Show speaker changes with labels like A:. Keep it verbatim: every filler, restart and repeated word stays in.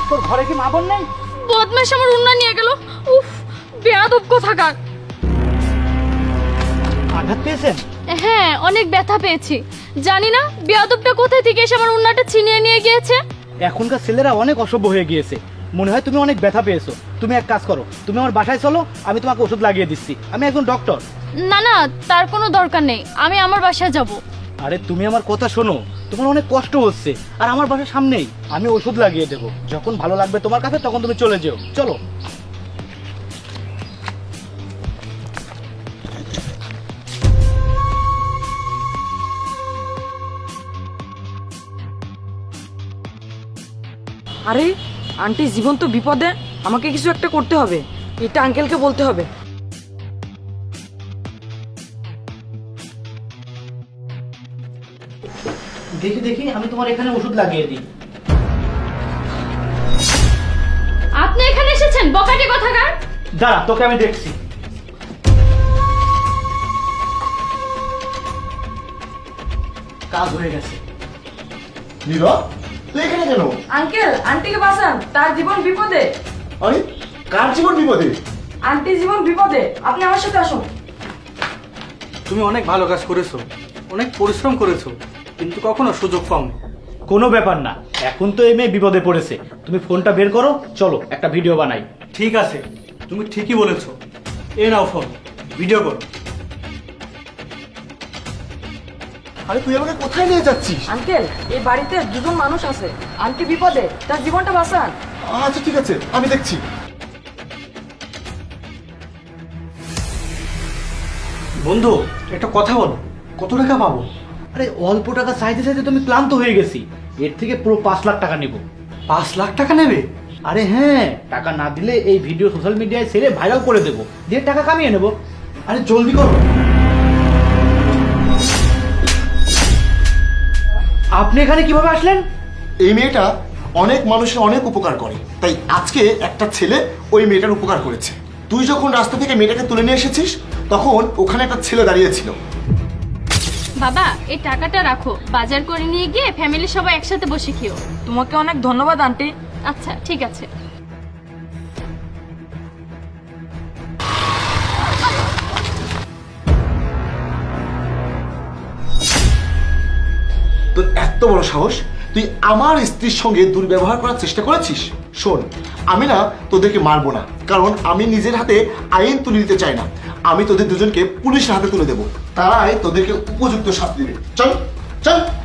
A: তোর ঘরে কি মা বোন নেই?
B: বদমাশ আমার উন্না নিয়ে গেল। উফ, বেয়াদব কোথাকার।
A: আঘাত পেয়েছেন?
B: হ্যাঁ, অনেক ব্যথা পেয়েছি। জানি না বেয়াদবটা কোথায় থেকে এসে আমার উন্নাটা ছিনিয়ে নিয়ে গিয়েছে।
A: এখনকার ছেলেরা অনেক অসভ্য হয়ে গিয়েছে। মনে হয় তুমি অনেক ব্যথা পেয়েছো। তুমি এক কাজ করো, তুমি আমার বাসায় চলো, আমি তোমাকে ওষুধ লাগিয়ে দিচ্ছি। আমি একজন ডক্টর।
B: না না, তার কোনো দরকার নেই, আমি আমার বাসায় যাব।
A: আরে তুমি আমার কথা শোনো, তোমার অনেক কষ্ট হচ্ছে আর আমার বাসার সামনেই। আমি ওষুধ লাগিয়ে দেবো, যখন ভালো লাগবে তোমার কাছে তখন তুমি চলে যেও। চলো।
C: আরে আন্টি জীবন তো বিপদে, আমাকে কিছু একটা করতে হবে। এটা আঙ্কেলকে বলতে হবে।
A: দেখি দেখি আমি তোমার এখানে ওষুধ লাগিয়ে দিই।
B: আপনি এখানে এসেছেন বকাটে কোথাকার?
A: দাঁড়া, তোকে আমি দেখছি। কাজ হয়ে গেছে।
D: নীরব, তুই এখানে কেন?
C: আঙ্কেল আন্টিকে বাঁচান, তার জীবন বিপদে।
D: আরে কার জীবন বিপদে?
C: আন্টি জীবন বিপদে, আপনি আমার সাথে আসুন।
E: তুমি অনেক ভালো কাজ করেছো, অনেক পরিশ্রম করেছো, কিন্তু কখনো সুযোগ পাওনি।
A: কোনো ব্যাপার না, এখন তো এই মেয়ে বিপদে পড়েছে। তুমি ফোনটা বের করো, চলো একটা ভিডিও বানাই।
E: ঠিক আছে, তুমি ঠিকই বলেছো। এ নাও ফোন, ভিডিও করো।
D: আরে তুই আমাকে কোথায় নিয়ে যাচ্ছিস?
C: আঙ্কেল এই বাড়িতে দুজন মানুষ আছে, আন্টি বিপদে, তার জীবনটা বাঁচান।
D: আচ্ছা ঠিক আছে, আমি দেখছি।
E: বন্ধু, একটা কথা বলো, কত টাকা পাবো?
A: আরে অল্প টাকা চাইতে চাইতে তুমি ক্লান্ত হয়ে গেছি। এর থেকে পুরো পাঁচ লাখ টাকা নেব।
E: পাঁচ লাখ টাকা নেবে?
A: আরে হ্যাঁ, টাকা না দিলে এই ভিডিও সোশ্যাল মিডিয়ায় ছেড়ে ভাইরাল করে দেবো, দিয়ে টাকা কামিয়ে নেব। আরে জলদি করো। আপনি এখানে কিভাবে আসলেন?
D: এই মেয়েটা অনেক মানুষের অনেক উপকার করে, তাই আজকে একটা ছেলে ওই মেয়েটার উপকার করেছে। তুই যখন রাস্তা থেকে মেয়েটাকে তুলে নিয়ে এসেছিস তখন ওখানে একটা ছেলে দাঁড়িয়েছিল।
B: বাবা, এই টাকাটা রাখো, বাজার করে নিয়ে গিয়ে ফ্যামিলির সবাই একসাথে বসে খেও।
C: তোমাকে অনেক ধন্যবাদ আন্টি।
B: আচ্ছা ঠিক আছে।
D: তোর এত বড় সাহস, তুই আমার স্ত্রীর সঙ্গে দুর্ব্যবহার করার চেষ্টা করেছিস? শোন, আমি না তোদেরকে মারবো না, কারণ আমি নিজের হাতে আইন তুলে দিতে চাই না। আমি তোদের দুজনকে পুলিশের হাতে তুলে দেবো, তারাই তোদেরকে উপযুক্ত শাস্তি দেবে। চল চল।